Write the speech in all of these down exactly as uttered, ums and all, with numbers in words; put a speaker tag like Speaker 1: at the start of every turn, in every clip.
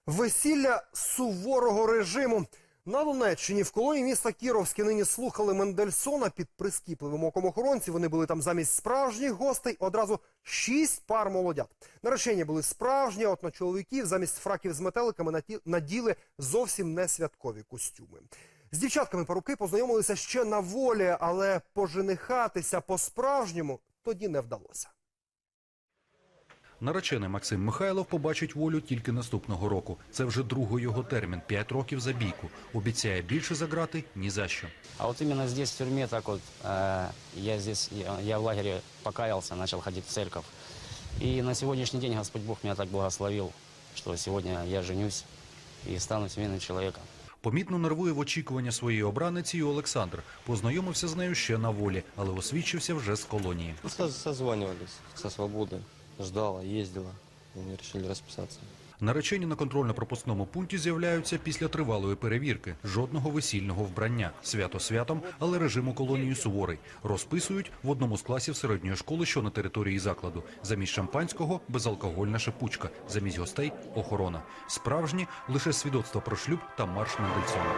Speaker 1: Весілля суворого режиму. На Донеччині в колонії міста Кіровське нині слухали Мендельсона під прискіпливим оком охоронців. Вони були там замість справжніх гостей одразу шість пар молодят. Наречені були справжні, а от на чоловіків замість фраків з метеликами наділи зовсім не святкові костюми. З дівчатками парубки познайомилися ще на волі, але поженихатися по-справжньому тоді не вдалося.
Speaker 2: Наречений Максим Михайлов побачить волю тільки наступного року. Це вже другий його термін – п'ять років за бійку. Обіцяє більше за грати – ні за що.
Speaker 3: А вот именно здесь, в тюрьме, так вот, э, я здесь, я, я в лагере покаялся, начал ходить в церковь. И на сегодняшний день Господь Бог меня так благословил, что сегодня я женюсь и стану семейным человеком.
Speaker 2: Помітно нервує в очікування своєї обраниці і Олександр. Познайомився з нею ще на волі, але освідчився вже з колонії.
Speaker 4: Созванивались со свободы, ждала, ездила, и мы решили расписаться.
Speaker 2: Наречені на контрольно-пропускному пункті з'являються після тривалої перевірки. Жодного весільного вбрання. Свято святом, але режим у колонії суворий. Розписують в одному з класів середньої школи, що на території закладу. Замість шампанського – безалкогольна шипучка. Замість гостей – охорона. Справжні – лише свідоцтво про шлюб та марш Мендельсона.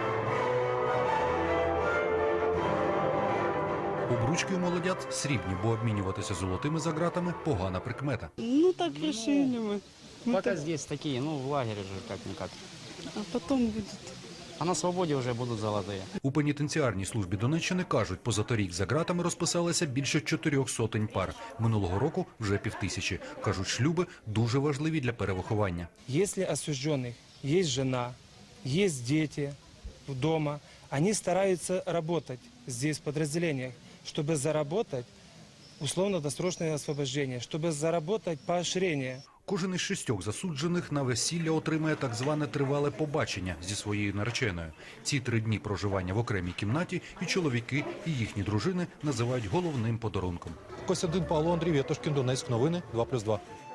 Speaker 2: Обручки у молодят срібні, бо обмінюватися золотими за ґратами – погана прикмета.
Speaker 5: Ну, так решили мы. Мы
Speaker 3: Пока
Speaker 5: так-
Speaker 3: здесь такие, ну, в лагере же как-никак.
Speaker 5: А потом будет.
Speaker 3: А на свободе уже будут золотые.
Speaker 2: У пенітенціарній службі Донеччини кажуть, позаторік за ґратами розписалося більше чотирьох сотень пар. Минулого року вже півтисячі. Кажуть, шлюби дуже важливі для перевиховання.
Speaker 6: Если осужденных есть жена, есть дети дома, они стараются работать здесь в подразделениях, чтобы заработать условно-досрочное освобождение, чтобы заработать поощрение.
Speaker 2: Кожен із шістьох засуджених на весілля отримає так зване тривале побачення зі своєю нареченою. Ці три дні проживання в окремій кімнаті і чоловіки, і їхні дружини називають головним подарунком.
Speaker 7: Костянтин Павло, Андрій Вєтошкін, Донецьк, новини, два плюс два.